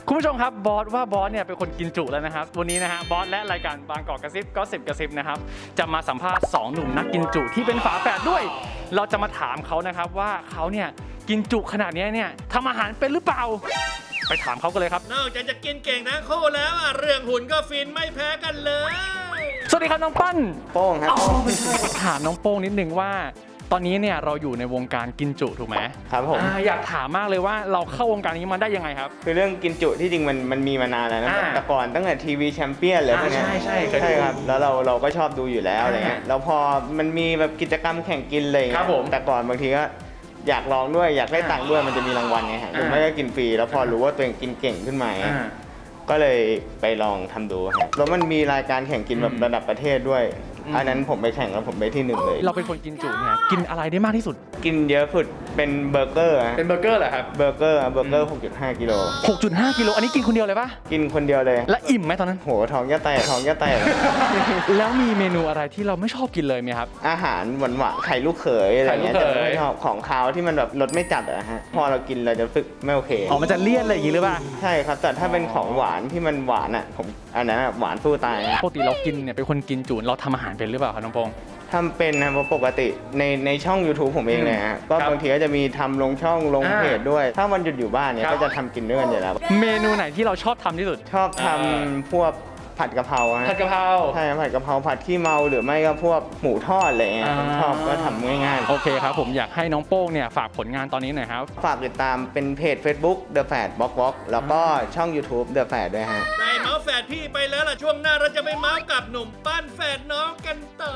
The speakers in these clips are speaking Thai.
คุณผู้ชมครับบอสว่าบอสเนี่ยเป็นคนกินจุแล้วนะครับวันนี้นะฮะบอสและรายการบางกอกกระซิบก็10กระซิบนะครับจะมาสัมภาษณ์2หนุ่มนักกินจุที่เป็นฝาแฝดด้วยเราจะมาถามเขานะครับว่าเขาเนี่ยกินจุขนาดนี้เนี่ยทำอาหารเป็นหรือเปล่าไปถามเขากันเลยครับนอกจากจะกินเก่งทั้งคู่แล้วเรื่องหุ่นก็ฟินไม่แพ้กันเลยสวัสดีครับน้องปั้นโป้งครับถามน้องโป้งนิดนึงว่าตอนนี้เนี่ยเราอยู่ในวงการกินจุถูกไหมครับผมอยากถามมากเลยว่าเราเข้าวงการนี้มาได้ยังไงครับคือเรื่องกินจุที่จริงมันมีมานานแล้วนะ แต่ก่อนตั้งแต่ทีวีแชมเปี้ยนเลยพวกเนี้ยใช่เคยดูใช่ครับแล้วเราก็ชอบดูอยู่แล้วอะไรเงี้ยแล้วพอมันมีแบบกิจกรรมแข่งกินเลยครับผมแต่ก่อนบางทีก็อยากลองด้วยอยากได้ตังค์ด้วยมันจะมีรางวัลไงฮะหรือไม่ก็กินฟรีแล้วพอรู้ว่าตัวเองกินเก่งขึ้นมาก็เลยไปลองทำดูครับแล้วมันมีรายการแข่งกินแบบระดับประเทศด้วยอันนั้นผมไปแข่งแล้วผมไปที่1เลยเราเป็นคนกินจุเนี่ยกินอะไรได้มากที่สุดกินเยอะสุดเป็นเบอร์เกอร์ฮะเป็นเบอร์เกอร์เหรอครับเบอร์เกอร์ 6.5 กิโล 6.5 กิโลอันนี้กินคนเดียวเลยปะกินคนเดียวเลยและอิ่มไหมตอนนั้นโหท้องจะแตกแล้วมีเมนูอะไรที่เราไม่ชอบกินเลยไหมครับอาหารหวานๆไข่ลูกเขยอะไรเงี้ยไข่ลูกเขยจะไม่ชอบของคาวที่มันแบบรสไม่จัดอะฮะพอเรากินเราจะรู้สึกไม่โอเคอ๋อมันจะเลี่ยนอะไรอย่างงี้หรือเปล่าใช่ครับแต่ถ้าเป็นของหวานที่มันหวานอะผมอันนั้นอะหวานสู้ตายนะปกติเรากินเนี่ยเป็นคนกินจุเราทำอาหารเป็นหรือเปล่าครับน้องโปงทำเป็นนะเพราะปกติในช่อง YouTube ผมเองเนี่ยฮะก็ครับบางทีก็จะมีทำลงช่องลงเพจด้วย ถ้าวันหยุดอยู่บ้านเนี่ยครับก็จะทำกินด้วยกันอยู่แล้วเมนูไหนที่เราชอบทำที่สุดชอบทำพวกผัดกะเพราฮะผัดกะเพราใช่ผัดกะเพราผัดขี้เมาหรือไม่ก็พวกหมูทอดอะไรเงี้ยผมชอบก็ทำง่ายๆโอเคครับผมอยากให้น้องโป้งเนี่ยฝากผลงานตอนนี้หน่อยครับฝากติดตามเป็นเพจ Facebook The Fat Box Box แล้วก็ช่อง YouTube The Fat ด้วยฮะได้เมาส์แฝดพี่ไปแล้วล่ะช่วงหน้าเราจะไปเมาส์กับหนุ่มปั้นแฝดน้องกันต่อ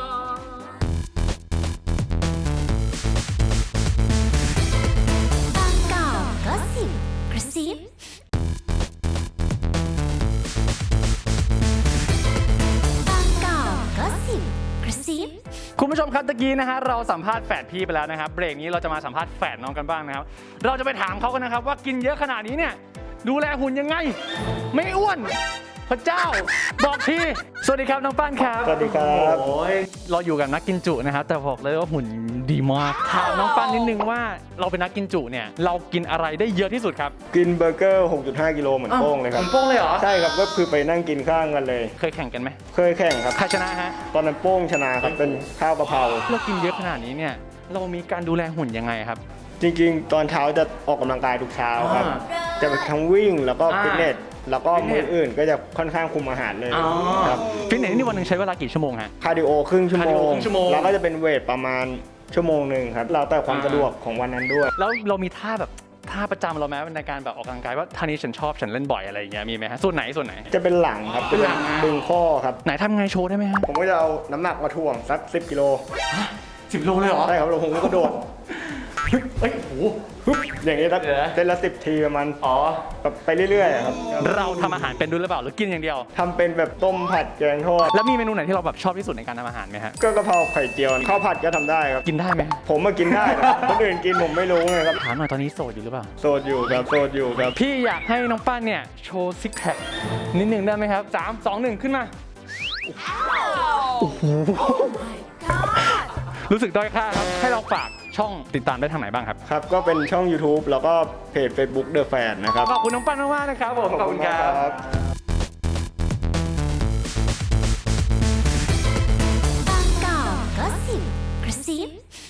บางกอกก็สิบกระซิบางกอกก็สิบกระซิบคุณผู้ชมครับตะกี้นะฮะเราสัมภาษณ์แฝดพี่ไปแล้วนะครับเบรกนี้เราจะมาสัมภาษณ์แฝดน้องกันบ้างนะครับเราจะไปถามเขากันนะครับว่ากินเยอะขนาดนี้เนี่ยดูแลหุ่นยังไง ไม่อ้วนพระเจ้าบอกทีสวัสดีครับน้องปั้นครับสวัสดีครับโอ้ยเราอยู่กับนักกินจุนะครับแต่บอกเลยว่าหุ่นดีมากถามน้องปั้นนิดนึงว่าเราเป็นนักกินจุเนี่ยเรากินอะไรได้เยอะที่สุดครับกินเบอร์เกอร์ 6.5 กิโลเหมือนโป้งเลยครับโป้งเลยเหรอใช่ครับ ก็คือไปนั่งกินข้างกันเลยเคยแข่งกันไหมเคยแข่งครับใครชนะฮะตอนนั้นโป้งชนะครับ เป็นข้าวกะเพราเรากินเยอะขนาดนี้เนี่ยเรามีการดูแลหุ่นยังไงครับจริงๆ ตอนเช้าจะออกกำลังกายทุกเช้าครับ จะไปทั้งวิ่งแล้วก็ฟิตเนส แล้วก็มื้ออื่นก็จะค่อนข้างคุมอาหารเลยครับฟิตเนสนี่วันหนึ่งใช้เวลากี่ชั่วโมงฮะคาร์ดิโอครึ่งชั่วคาร์ดิโมโอง ครึ่งชั่วโมงแล้วก็จะเป็นเวทประมาณชั่วโมงหนึ่งครับ แล้วแต่ความสะดวกของวันนั้นด้วยแล้วเรามีท่าแบบท่าประจำเราไหมในการแบบออกกำลังกายว่าท่านี้ฉันชอบฉันเล่นบ่อยอะไรอย่างเงี้ยมีไหมฮะส่วนไหนจะเป็นหลังครับเป็นหลังดึงข้อครับไหนทำไงโชว์ได้ไหมฮะผมก็จะเอาน้ำหนักมาถ่วงสัก 10 กิโล 10 โลเลยเหรอใช่ครับแล้วผมก็กระโดดเอ้ยโอ้โหฮึบอย่างนี้สักเดี๋ยวนะเส้นละ10 ทีประมาณอ๋อแบบไปเรื่อยๆครับเราทำอาหารเป็นด้วยหรือเปล่าหรือกินอย่างเดียวทำเป็นแบบต้มผัดแกงทอดแล้วมีเมนูไหนที่เราแบบชอบที่สุดในการทำอาหารไหมฮะก็กะเพราไข่เจียวข้าวผัดก็ทำได้ครับกินได้ไหมผมมากินได้นะคนอื่นกินผมไม่รู้ไงครับถามหน่อยตอนนี้โสดอยู่หรือเปล่าโสดอยู่ครับโสดอยู่ครับพี่อยากให้น้องป้านเนี่ยโชว์ซิกแพคนิดหนึ่งได้ไหมครับ3 2 1ขึ้นมาโอ้โหรู้สึกด้อยค่าครับให้เราฝากช่องติดตามได้ทางไหนบ้างครับครับก็เป็นช่อง YouTube แล้วก็เพจ Facebook The Fan นะครับขอบคุณน้องปั้นมากๆนะครับผมขอบคุณครับบางกอกก็สิบกระซิบ